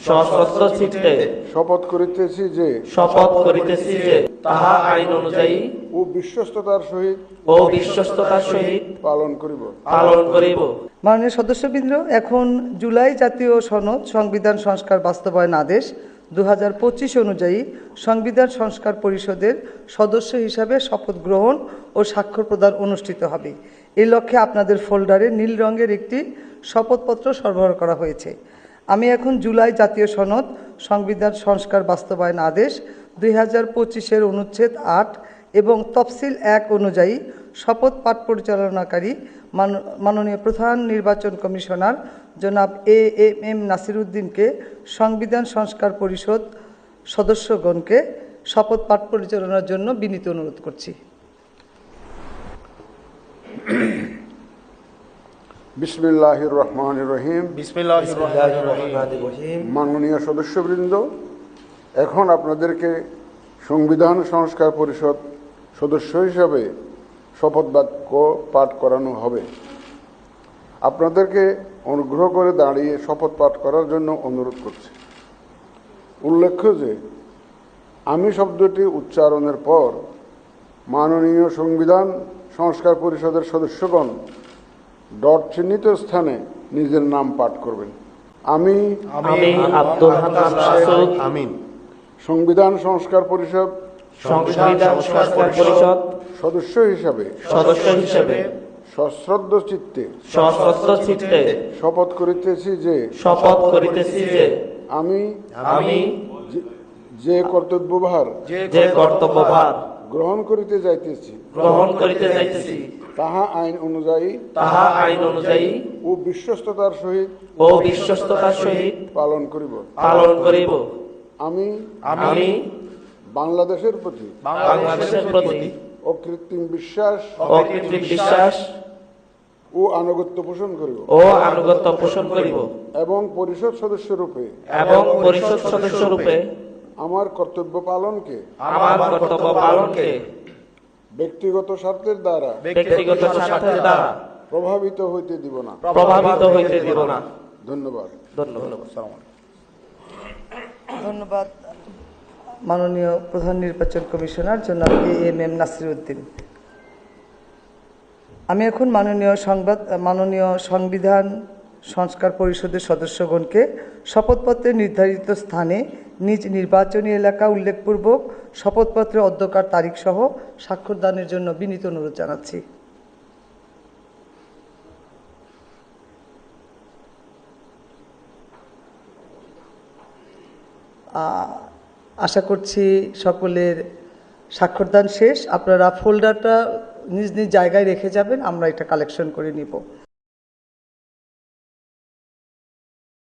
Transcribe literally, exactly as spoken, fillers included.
সশস্ত্র চিত্তে শপথ করিতেছি যে শপথ করিতেছি যে তাহা আইন অনুযায়ী ও বিশ্বস্ততার সহিত ও বিশ্বস্ততার সহিত পালন করিব। পালন করিব। মাননীয় সদস্যবৃন্দ, এখন জুলাই জাতীয় সনদ সংবিধান সংস্কার বাস্তবায়ন আদেশ দু হাজার পঁচিশ অনুযায়ী সংবিধান সংস্কার পরিষদের সদস্য হিসাবে শপথ গ্রহণ ও স্বাক্ষর প্রদান অনুষ্ঠিত হবে। এই লক্ষ্যে আপনাদের ফোল্ডারে নীল রঙের একটি শপথপত্র সরবরাহ করা হয়েছে। আমি এখন জুলাই জাতীয় সনদ সংবিধান সংস্কার বাস্তবায়ন আদেশ দুই হাজার পঁচিশের অনুচ্ছেদ আট এবং তফসিল এক অনুযায়ী শপথ পাঠ পরিচালনাকারী মাননীয় প্রধান নির্বাচন কমিশনার জনাব এ এম এম নাসির উদ্দিনকে সংবিধান সংস্কার পরিষদ সদস্যগণকে শপথ পাঠ পরিচালনার জন্য বিনীত অনুরোধ করছি। বিসমিল্লাহির রহমানির রহিম। বিসমিল্লাহির রহমানির রহিম। মাননীয় সদস্যবৃন্দ, এখন আপনাদেরকে সংবিধান সংস্কার পরিষদ সদস্য হিসাবে শপথ বাক্য পাঠ করানো হবে। আপনাদেরকে অনুগ্রহ করে দাঁড়িয়ে শপথ পাঠ করার জন্য অনুরোধ করছি। উল্লেখ্য যে আমি শব্দটি উচ্চারণের পর মাননীয় সংবিধান সংস্কার পরিষদের সদস্যগণ ডট চিহ্নিত স্থানে নিজের নাম পাঠ করবেন। আমি আমি আব্দুল হান্নান মাসুদ আমিন সংবিধান সংস্কার পরিষদ সংবিধান সংস্কার পরিষদ সদস্য হিসাবে সদস্য হিসেবে সশ্রদ্ধ চিত্তে সশস্ত্র চিত্তে শপথ করিতেছি যে শপথ করিতেছি যে আমি আমি যে- যে কর্তব্যভার যে কর্তব্যভার গ্রহণ করিতে যাইতেছি গ্রহণ করিতে যাইতেছি তাহা আইন অনুযায়ী তাহা আইন অনুযায়ী ও বিশ্বস্ততার সহিত ও বিশ্বস্ততার সহিত পালন করিব। পালন করিব। আমি আমি বাংলাদেশের প্রতি বাংলাদেশের প্রতি অকৃত্রিম বিশ্বাস অকৃত্রিম বিশ্বাস ও আনুগত্য পোষণ করিব ও আনুগত্য পোষণ করিব এবং পরিষদ সদস্যরূপে এবং পরিষদ সদস্য রূপে আমার কর্তব্য পালনকে আমার কর্তব্য পালনকে ব্যক্তিগত স্বার্থের দ্বারা ব্যক্তিগত স্বার্থের দ্বারা প্রভাবিত হইতে দিব না। প্রভাবিত হইতে দিব না। ধন্যবাদ। ধন্যবাদ। ধন্যবাদ মাননীয় প্রধান নির্বাচন কমিশনার জনাব A M M Nasir Uddin. আমি এখন মাননীয় সংবাদ মাননীয় সংবিধান সংস্কার পরিষদের সদস্যগণকে শপথপত্রে নির্ধারিত স্থানে নিজ নির্বাচনী এলাকা উল্লেখপূর্বক শপথপত্রের অধ্যকার তারিখ সহ স্বাক্ষরদানের জন্য বিনীত অনুরোধ জানাচ্ছি। আশা করছি সকলের স্বাক্ষরদান শেষ। আপনারা ফোল্ডারটা নিজ নিজ জায়গায় রেখে যাবেন, আমরা এটা কালেকশন করে নিব।